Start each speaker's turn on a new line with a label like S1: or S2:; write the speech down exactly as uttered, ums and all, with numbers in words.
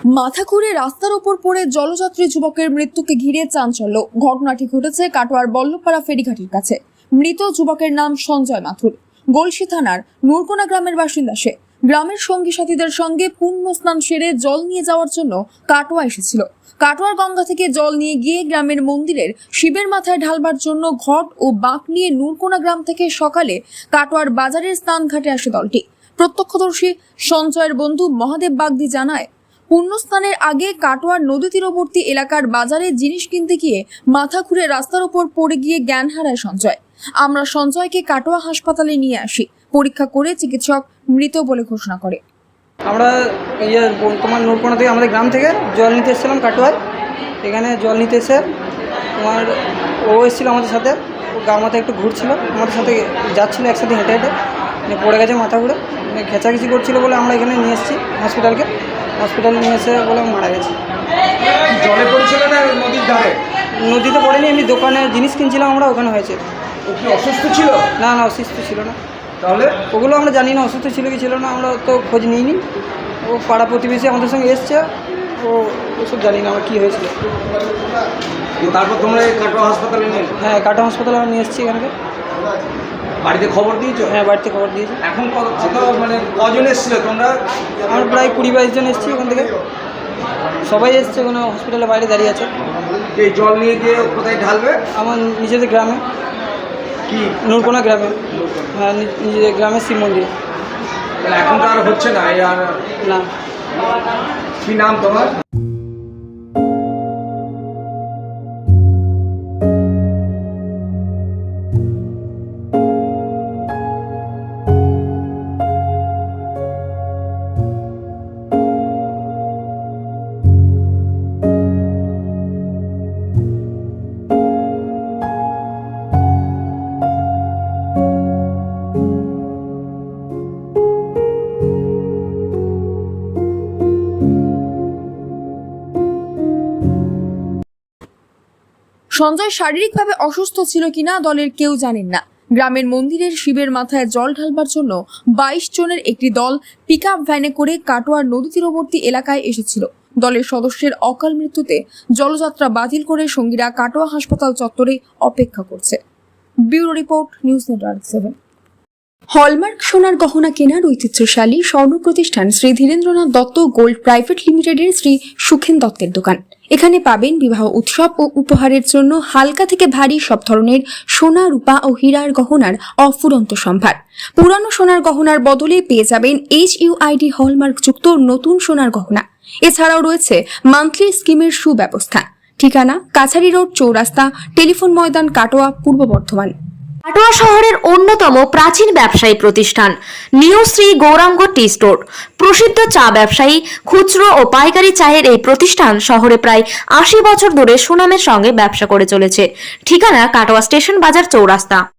S1: মাথা ঘুরে রাস্তার ওপর পড়ে জলযাত্রী যুবকের মৃত্যুকে ঘিরে চাঞ্চল্য। ঘটনাটি ঘটেছে কাটোয়ার বল্লভপাড়া ফেরিঘাটের কাছে। মৃত যুবকের নাম সঞ্জয় মাথুর। গলসি থানার নুরকোনা গ্রামের বাসিন্দা সে। গ্রামের সঙ্গী সাথীদের সঙ্গে পুণ্য স্নান সেরে জল নিয়ে যাওয়ার জন্য কাটোয়া এসেছিল। কাটোয়ার গঙ্গা থেকে জল নিয়ে গিয়ে গ্রামের মন্দিরের শিবের মাথায় ঢালবার জন্য ঘট ও বাঁক নিয়ে নুরকোনা গ্রাম থেকে সকালে কাটোয়ার বাজারের স্নান ঘাটে আসে দলটি। প্রত্যক্ষদর্শী সঞ্জয়ের বন্ধু মহাদেব বাগদি জানায়, পুণ্যস্নানের আগে কাটোয়ার নদী তীরবর্তী এলাকার বাজারে জিনিস কিনতে গিয়ে মাথা ঘুরে রাস্তার উপর পড়ে গিয়ে জ্ঞান হারায় সঞ্জয়। আমরা সঞ্জয়কে কাটোয়া হাসপাতালে নিয়ে আসি। পরীক্ষা করে চিকিৎসক মৃত বলে ঘোষণা করে।
S2: আমরা ইয়ে তোমার নুরকোনা থেকে আমাদের গ্রাম থেকে জল নিতে এসেছিলাম কাটোয়ায়। এখানে জল নিতে এসে তোমার ও এসেছিলো আমাদের সাথে। ও গা মাথা একটু ঘুরছিল, আমাদের সাথে যাচ্ছিলো একসাথে হেঁটে হেঁটে মানে পড়ে গেছে মাথা ঘুরে, মানে খেঁচাখেঁচি করছিল বলে আমরা এখানে নিয়ে এসেছি হসপিটালকে। হসপিটালে নিয়ে এসে বলে মারা গেছে।
S3: জলে পড়েছিল না নদীর ধারে?
S2: নদীতে পড়েনি, এমনি দোকানে জিনিস কিনছিলাম আমরা, ওখানে হয়েছে।
S3: ও কি অসুস্থ ছিল?
S2: না না অসুস্থ ছিল না।
S3: তাহলে
S2: ওগুলো আমরা জানি না অসুস্থ ছিল কি ছিল না, আমরা তো খোঁজ নিইনি। ও পাড়া প্রতিবেশী আমাদের সঙ্গে এসছে, ও ওসব জানি না আমার কী হয়েছিল।
S3: তারপর তোমরা কাটোয়া হাসপাতালে নিয়ে?
S2: হ্যাঁ, কাটোয়া হাসপাতালে আমরা নিয়ে এসেছি এখানকে।
S3: বাড়িতে খবর দিয়েছো?
S2: হ্যাঁ, বাড়িতে খবর দিয়েছি।
S3: এখন কত কত মানে কজন এসেছিলো তোমরা?
S2: আমরা প্রায় কুড়ি বাইশ জন এসেছি ওখান থেকে। সবাই এসছে, কোনো হসপিটালের বাইরে দাঁড়িয়ে আছে।
S3: এই জল নিয়ে গিয়ে কোথায় ঢালবে?
S2: আমার নিজেদের গ্রামে,
S3: কি
S2: নুরকোনা গ্রামে। হ্যাঁ, নিজেদের গ্রামের শিব মন্দিরে।
S3: তাহলে এখন তো আর হচ্ছে না। এই আর
S2: না।
S3: কি নাম তোমার?
S1: সঞ্জয় শারীরিকভাবে অসুস্থ ছিল কিনা দলের কেউ জানেন না। গ্রামের মন্দিরের শিবের মাথায় জল ঢালবার জন্য বাইশ জনের একটি দল পিকআপ ভ্যানে করে কাটোয়ার নদী তীরবর্তী এলাকায় এসেছিল। দলের সদস্যের অকাল মৃত্যুতে জলযাত্রা বাতিল করে সঙ্গীরা কাটোয়া হাসপাতাল চত্বরে অপেক্ষা করছে। Bureau report, news network seven. Hallmark সোনার গহনা কেনার ঐতিহ্যশালী স্বর্ণ প্রতিষ্ঠান শ্রী ধীরেন্দ্রনাথ দত্ত গোল্ড প্রাইভেট লিমিটেডের শ্রী সুখেন দত্তের দোকান। এখানে পাবেন বিবাহ উৎসব ও উপহারের জন্য হালকা থেকে ভারী সব ধরনের সোনা, রূপা ও হীরার গহনার অফুরন্ত সম্ভার। পুরানো সোনার গহনার বদলে পেয়ে যাবেন H U I D hallmark যুক্ত নতুন সোনার গহনা। এছাড়াও রয়েছে মান্থলি স্কিমের সুব্যবস্থা। ঠিকানা কাছারি রোড, চৌরাস্তা, টেলিফোন ময়দান, কাটোয়া, পূর্ব বর্ধমান।
S4: কাটোয়া শহরের অন্যতম প্রাচীন ব্যবসায়ী প্রতিষ্ঠান new Shri Gauranga tea store. প্রসিদ্ধ চা ব্যবসায়ী, খুচরো ও পাইকারি চায়ের এই প্রতিষ্ঠান শহরে প্রায় আশি বছর ধরে সুনামের সঙ্গে ব্যবসা করে চলেছে। ঠিকানা কাটোয়া স্টেশন বাজার, চৌরাস্তা।